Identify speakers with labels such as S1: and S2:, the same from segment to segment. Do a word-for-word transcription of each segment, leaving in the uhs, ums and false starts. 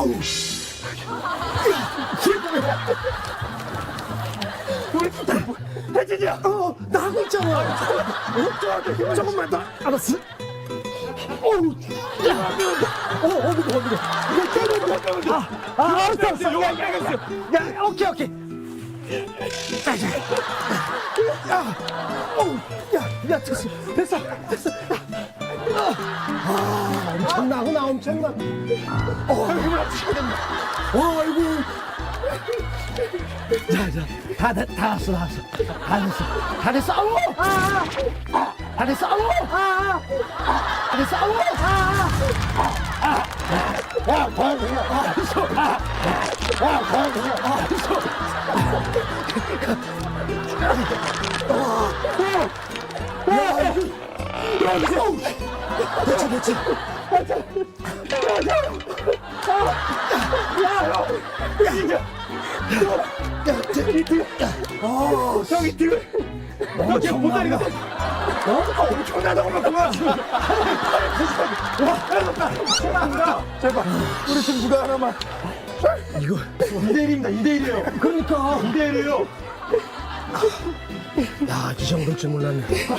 S1: 어우. 우리 혜진이야. 어, 나 하고 있잖아. 어, 조금만 더. 알았어. 어우, 야, 어, 어, 무거워, 무거워. 이거 때려, 아, 아, 알았어, 알았어. 야, 야, 야, 야, 오케이, 오케이. 자, 자. 야, 어우, 야, 야, 됐어, 됐어, 됐어. 야. 아, 엄청나구나, 엄청나. 어, 힘을 합치셔야 된다. 어, 아이고. 자, 자, 다, 다, 다 왔어, 다 왔어. 다 됐어, 다 됐어. 아우! 아, 아, 다 됐어, 아우! 아, 아, 다 됐어, 아우! 아, 아, 아, 야, 과연이야. 아, 있어. 아, 야, 과연이야. 아, 있어. 야, 이거, 야, 이거. 됐지, 됐지. 야, 야, 진짜. 야, 저기 뒤, 어, 저기 뒤. 여기 보다리가. 어? 엄청나다고 그만. 와, 감사합니다. 제발, 우리 팀 누가 하나만. 이거 이 대 일입니다. 이 대 일이에요. 그러니까 이 대 일이에요. 야, 이 정도일 줄 몰랐네.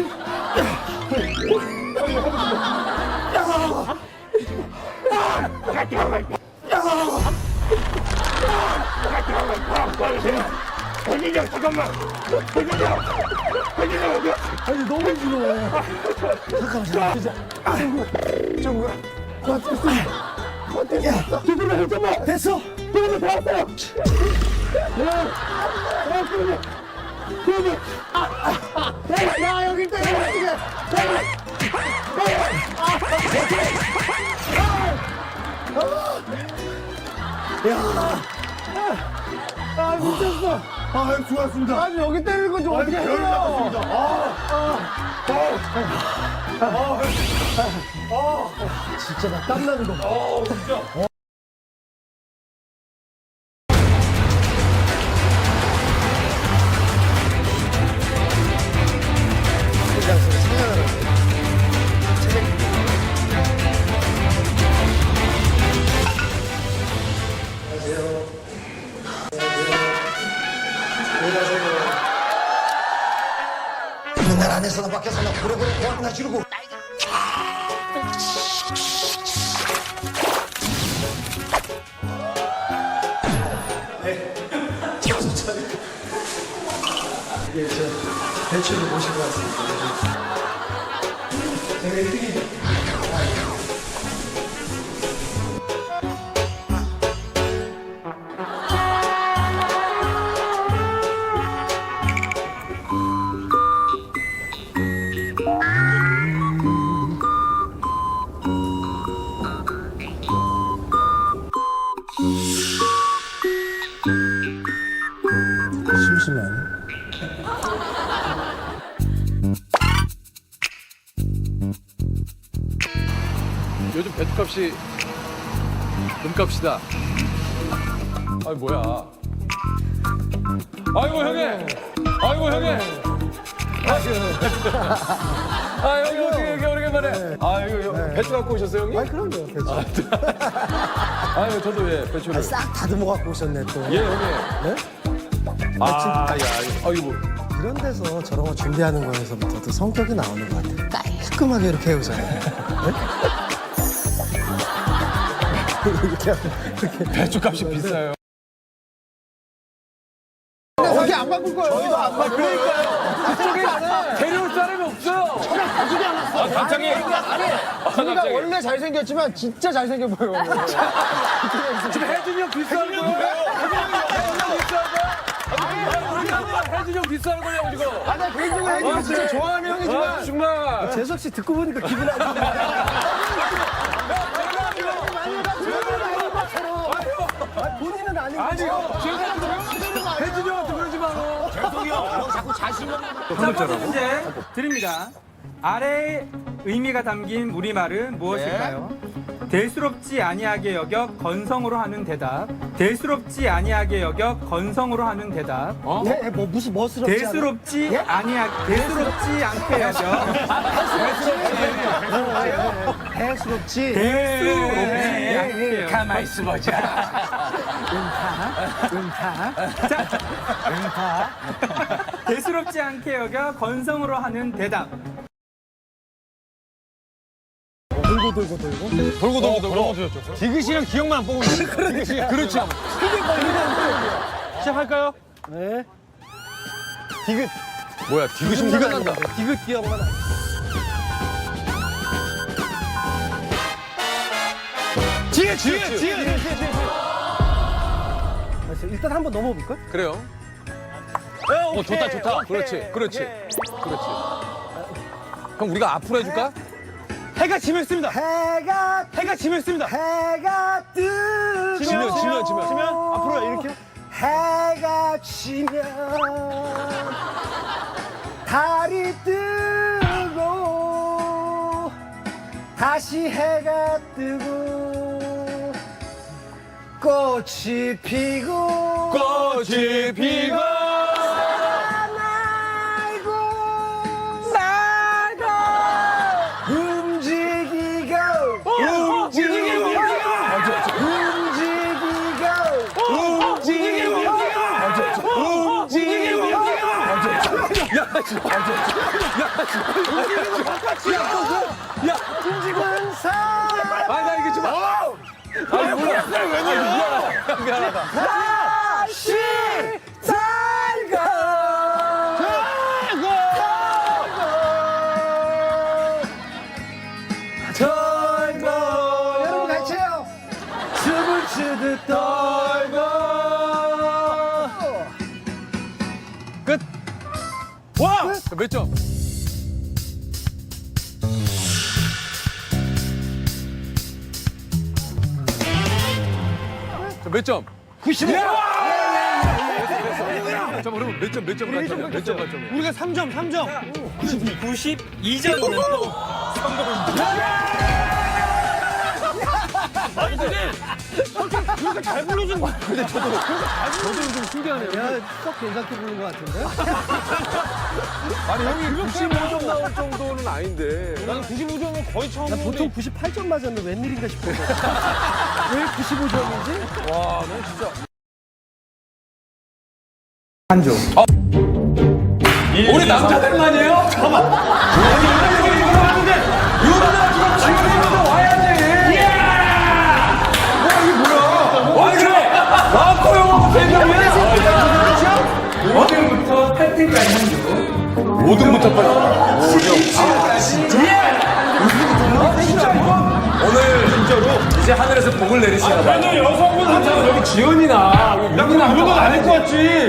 S1: 혜진이 형, 잠깐만. 혜진이 형. 혜진이 형, 어디야? 아니, 너무 힘들어. 잠깐만, 잠깐만. 정우야. 어땠어? 어땠어? 조금만, 조금만. 됐어. 조금만 더 왔어요. 야, 야, 그러면. 그러면. 아, 아, 야, 여기 있다, 여기 있다. 야, 아, 미쳤어. 아, 좋았습니다. 아니, 여기 때리는 건 좀 어떻게 해요? 별로였습니다. 아, 아, 아, 아, 아, 진짜 나 땀나는 거. 아, 진짜. 맨날 안에서나 밖에서나 고래고래 고함이나 지르고 네. 정신 차려. 이게 저 배추를 모시고 왔습니다. 제가 일 등이 심심하네.
S2: 요즘 배추값이 금값이다. 아이 뭐야? 아이고 형님. 아이고 형님. 아 형님 어떻게 이렇게 오래간만에? 아 이거 배추 갖고 오셨어요 형님?
S1: 아니, 그럼요, 배추.
S2: 아유 저도 예 배추를.
S1: 싹 다듬어 갖고 오셨네, 또.
S2: 예 형님.
S1: 네?
S2: 아, 야, 아이고.
S1: 이런 데서 저런 거 준비하는 거에서부터 또 성격이 나오는 것 같아요. 깔끔하게 이렇게 해오잖아요. 네? 이렇게 하고, 이렇게.
S2: 배추값이 비싸요.
S1: 어떻게 안 바꿀 거예요? 저희도 안 바꿀 거예요.
S2: 그쪽에 데려올 사람이 없어요.
S1: 가지도 않았어.
S2: 아, 갑자기.
S1: 아니, 우리가 원래 잘생겼지만 진짜 잘생겨 보여.
S2: 지금 혜진이 형 비싸는 거예요? 혜진이 형 비싸는 거야? 혜진이 형 비싸는 거냐고 지금.
S1: 아, 나 개인적으로 혜진이 진짜 좋아하는 형이지만.
S2: 아, 정말.
S1: 재석 씨 듣고 보니까 기분 안 좋네. 본인은 아닌 거죠?
S2: 아니요. 혜진이 형한테 그러지 마.
S3: 자, 문제 드립니다. 아래 의미가 담긴 우리말은 무엇일까요? 대수롭지 아니하게 여겨 건성으로 하는 대답. 대수롭지 아니하게 여겨 건성으로 하는 대답.
S2: 어?
S1: 예, 예, 뭐 무슨 멋스럽지 않아?
S3: 대수롭지
S1: 예?
S3: 아니하 대수롭지 않게 여겨
S1: 대수롭지.
S3: 대수롭지
S1: 예, 예,
S3: 않게 여겨
S2: 가만히 있어보자.
S3: 대수롭지 않게 여겨 건성으로 하는 대답.
S1: 돌고 돌고 돌고.
S2: 돌고 돌고 돌고. 디귿이랑 기억만 안 뽑으면 돼. 그렇지. 그렇지. 시작할까요?
S1: 네.
S2: 디귿. 뭐야, 디귿이 디귿 난다.
S1: 디귿 기억만 나.
S2: 지혜, 지혜, 지혜.
S1: 알았어, 일단 한번 넘어볼까?
S2: 그래요. 어, 좋다, 좋다. 그렇지, 그렇지, 그렇지. 형, 우리가 앞으로 해줄까? 해가 지면 있습니다.
S1: 해가
S2: 해가 지면 있습니다.
S1: 해가 뜨고
S2: 지면, 지면, 지면. 지면? 앞으로 이렇게.
S1: 해가 지면 달이 뜨고 다시 해가 뜨고 꽃이 피고
S2: 꽃이 피고.
S1: 날고 움직이고
S2: 움직이고.
S1: 움직이고
S2: 움직이고. 야, 야,
S1: 움직이는 사람
S2: 아니, 나 이게 좀. 아니, 몰라. 왜 미안하다. 미안하다.
S1: 다시 달고 달고 여러분 같이 해요 춤을 추듯 떨고
S2: 끝. 와! 몇 점? 자, 몇 점?
S1: 구십오
S2: 자, 그러면 몇 점, 몇 점 만점이야? 몇 점 만점이야? 우리가 삼 점, 삼 점.
S3: 구십이 점이면
S2: 그러니까 잘 불러준 거야. 근데 저도, 저도 좀 신기하네요.
S1: 야썩 괜찮게 부른 것 같은데
S2: 아니, 형이 구십오 점 나올 정도는 아닌데. 나는 구십오 점은 거의 처음
S1: 나 보통 구십팔 점 맞았는데 웬일인가 싶어서 왜 구십오 점이지?
S2: 와, 너 진짜.
S3: 한조.
S2: 우리 남자들만이에요? 잠깐만. 아니, 여자들이 이거 하는데, 유부남 지금 지금부터 와야지. 뭐야, 이게 뭐야? 아니, 그래. 나왔고요. 대명이야.
S3: 오 등부터 팔 등까지 한조.
S2: 오 등부터 빨리. 오늘 진짜로 이제 하늘에서 복을 내리시나 봐요.
S4: 아니 여성분 한자는 여기 지연이나 윤이나 이런 건 아닐 것 같지.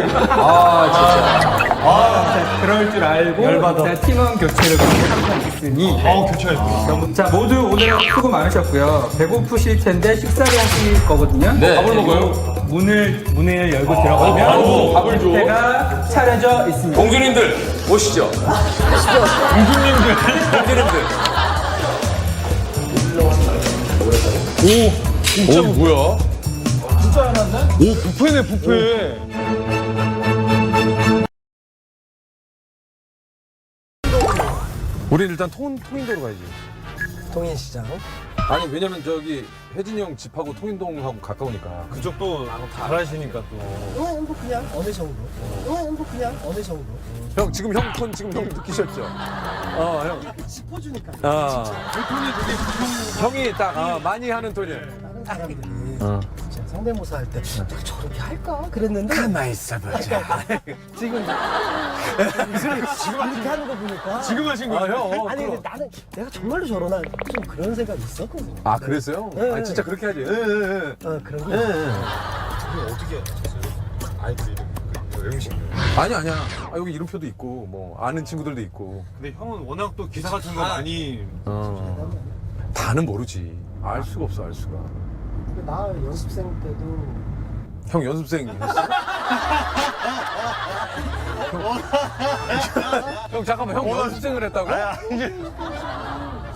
S3: 그럴 줄 알고 자, 팀원 교체를 선택했으니
S4: 어 교체했어.
S3: 자 모두 오늘 수고 많으셨고요. 배고프실 텐데 식사를 하실 거거든요.
S2: 네. 밥을
S3: 그리고
S2: 먹어요?
S3: 문을 문을 열고 들어가면
S4: 바로 밥을 줘.
S3: 배가 차려져 있습니다.
S2: 공주님들 오시죠.
S4: 공주님들.
S2: 공주님들. 오, 진짜 오, 뭐야?
S4: 진짜 해놨네? 오 뷔페네 뷔페.
S2: 우린 일단 통, 통인도로 가야지.
S1: 동인시장
S2: 아니 왜냐면 저기 혜진이 형 집하고 통인동하고 가까우니까.
S4: 그쪽도 잘하시니까 또.
S1: 어, 뭐 그냥 어느 정도 어, 뭐 그냥 어느 정도
S2: 형 지금 형 톤 지금 형 느끼셨죠? 어 형.
S1: 짚어주니까
S2: 아
S4: 그 톤이 되게 부평.
S2: 형이 딱 어, 많이 하는 톤이에요.
S1: 다른 사람들이 진짜 성대모사 할 때 내가 저렇게 할까? 그랬는데
S2: 가만 있어보자.
S1: 지금 지금 이렇게 하는 거 보니까
S4: 지금 하신
S2: 아
S4: 거예요?
S2: 형. 어,
S1: 아니
S2: 그럼.
S1: 근데 나는 내가 정말로 저러나 좀 그런 생각이 있었거든.
S2: 아 그랬어요?
S1: 네.
S2: 아 진짜 그렇게 하지. 예, 예, 예.
S1: 어 그런 거.
S4: 어떻게 하셨어요? 아이들 이름 그 음식.
S2: 아니 아니야. 아, 여기 이름표도 있고 뭐 아는 친구들도 있고.
S4: 근데 형은 워낙 또 기사 같은 거 많이.
S2: 어. 다는 모르지. 알 수가 없어 알 수가.
S1: 근데 나 연습생 때도
S2: 형 연습생이었어? 형, 형 잠깐만 형 연습생을 했다고?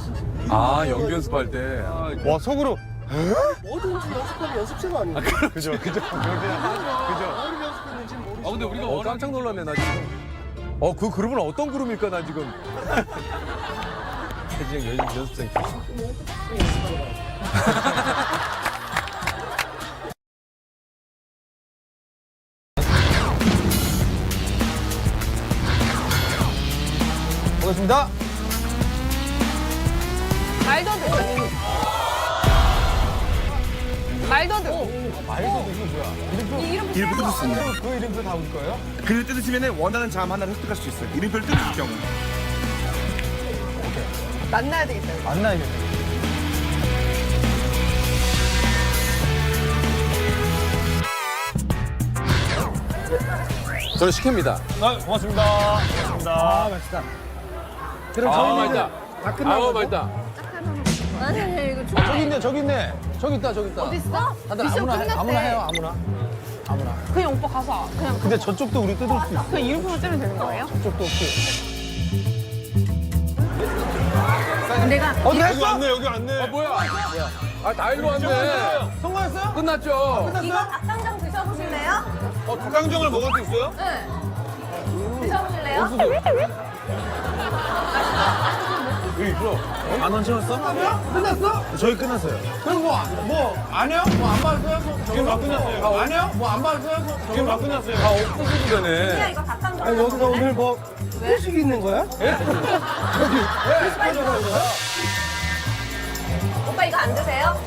S2: 아 연기 연습할 때.
S5: 와 속으로
S1: 뭐든지 연습하면 연습생 아니에요?
S5: 그죠 그죠 그죠
S1: 뭐를 연습했는지 모르겠어요.
S2: 아 근데 우리가 어, 깜짝 놀랐네 나 지금. 어 그 그룹은 어떤 그룹일까 나 지금. 혜진이 연, 연습생 출신.
S5: 보겠습니다.
S6: 말도 돼. 말도 돼.
S5: 말도 이게 뭐야?
S6: 이 이름
S7: 이름표 뜯을 수 있네.
S5: 그 이름표 다 올 거예요?
S7: 글을 뜯으시면 원하는 자음 하나를 획득할 수 있어요. 이름표를 뜯을 경우.
S6: 만나야 되겠다. 이거.
S5: 만나야겠네.
S2: 저는 식혜입니다.
S5: 아, 고맙습니다. 고맙습니다.
S1: 아 맛있다. 그럼
S2: 아
S1: 저희는
S2: 맛있다.
S1: 다 끝나고
S2: 아우 맛있다.
S6: 아니 이거
S5: 아, 저기 있네, 저기 있네. 저기 있다, 저기 있다.
S6: 어딨어?
S5: 다들
S6: 미션
S5: 아무나, 해,
S6: 끝났대.
S5: 아무나 해요, 아무나. 아무나.
S6: 그냥 오빠 가서 그냥
S5: 근데 저쪽도 우리 뜯을 수 있어.
S6: 그냥 이름표만 뜨면 되는 거예요?
S5: 저쪽도 없고.
S6: 내가
S5: 어디 여기 왔네, 여기 왔네.
S2: 아 뭐야? 아 다 일로 왔네.
S5: 성공했어요?
S2: 끝났죠.
S6: 이거 닭강정 드셔보실래요?
S5: 어, 독강정을 먹을 수 있어요?
S6: 네. 드셔보실래요?
S5: 만 원 채웠어? 끝났어? 저희 끝났어요. 그럼 뭐, 뭐, 안 해요? 뭐 안 받았어요? 지금 막 끝났어요. 안 해요? 뭐 안 받았어요? 지금 막 끝났어요.
S2: 아 없어지도 되네.
S6: 이거 닭강정
S1: 아니 여기가 오늘 뭐 회식이 있는 거야?
S6: 오빠 이거 안 드세요?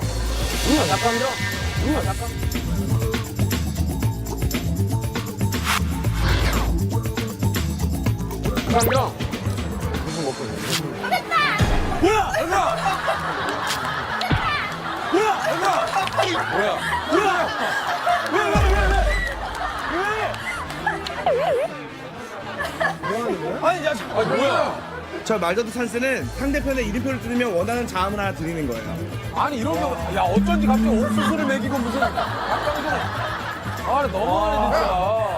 S2: 강경.
S5: 아니, 야,
S2: 아 뭐야?
S7: 저 말더드 찬스는 상대편의 이름표를 뜯으면 원하는 자음을 하나 드리는 거예요.
S2: 아니 이런 거, 야 어쩐지 갑자기 옥수수를 먹이고 무슨 닭강정. 아 너무하네 진짜.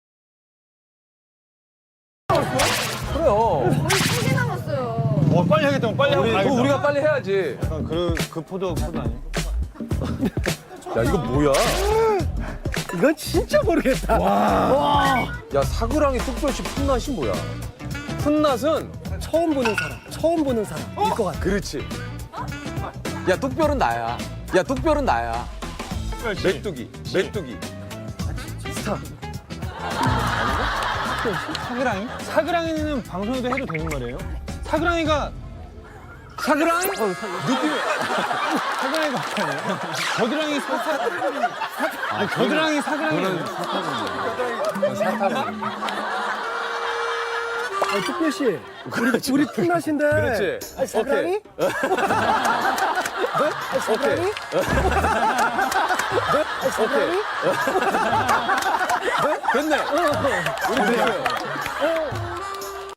S2: 그래요.
S6: 세 개 남았어요.
S5: 어, 빨리 하겠다, 빨리 하고
S2: 우리,
S5: 가야겠다.
S2: 그거 우리가 빨리 해야지.
S5: 약간 그, 그 포도, 포도 아니야?
S2: 야 이거 뭐야?
S1: 이건 진짜 모르겠다.
S2: 야 사그랑이 뚝배시 풋낫이 뭐야? 풋낫은
S1: 처음 보는 사람, 처음 보는 사람일 것 같아.
S2: 그렇지. 야 뚝별은 나야. 야 뚝별은 나야. 메뚜기, 메뚜기.
S5: 사그랑이? 사그랑이는 방송에도 해도 되는 말이에요? 사그랑이가
S2: 사그랑이? 느낌이.
S5: 사그랑이가 아니에요? 겨드랑이 사사 아니 겨드랑이 사그랑이
S2: 사타구니.
S1: 아, 특별 씨, 우리 우리 팀낫인데.
S2: 그렇지.
S1: 아니, 사랑이? 아니, 사랑이? 아니, 사랑이?
S2: 됐네. 우리 됐어요.